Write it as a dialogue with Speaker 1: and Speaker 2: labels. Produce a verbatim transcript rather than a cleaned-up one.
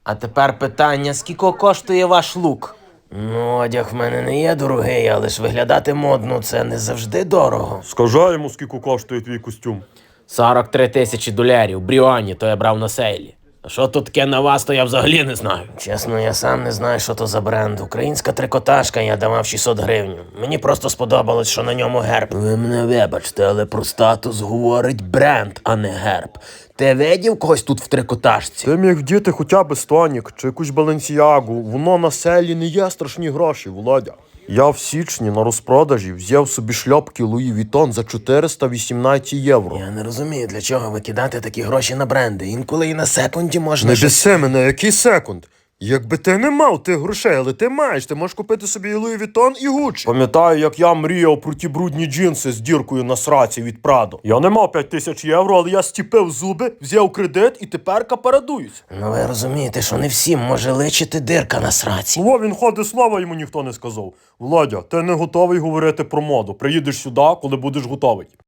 Speaker 1: А тепер питання, скільки коштує ваш лук? Ну, одяг в мене не є дорогий, але ж виглядати модно – це не завжди дорого.
Speaker 2: Скажи йому, скільки коштує твій костюм.
Speaker 1: сорок три тисячі долярів, Бріоні, то я брав на сейлі. А що тут таке на вас, то я взагалі не знаю. Чесно, я сам не знаю, що то за бренд. Українська трикотажка, я давав шістсот гривень. Мені просто сподобалось, що на ньому герб. Ви мене вибачте, але про статус говорить бренд, а не герб. Ти видів когось тут в трикотажці?
Speaker 2: Ти міг вдіти хоча б Стонік чи якусь Баленсіагу. Воно на селі не є страшні гроші, Володя. Я в січні на розпродажі взяв собі шльопки Луї Вітон за чотириста вісімнадцять євро.
Speaker 1: Я не розумію, для чого викидати такі гроші на бренди. Інколи і на секунді можна...
Speaker 2: Не
Speaker 1: щось-
Speaker 2: біси мене, який секунд? Якби ти не мав тих грошей, але ти маєш, ти можеш купити собі і Луї Вітон, і Гуччі. Пам'ятаю, як я мріяв про ті брудні джинси з діркою на сраці від Прадо. Я не мав п'ять тисяч євро, але я стіпив зуби, взяв кредит і тепер капарадуюсь.
Speaker 1: Ну ви розумієте, що не всім може личити дирка на сраці.
Speaker 2: Слово він ходить, слова йому ніхто не сказав. Володя, ти не готовий говорити про моду. Приїдеш сюди, коли будеш готовий.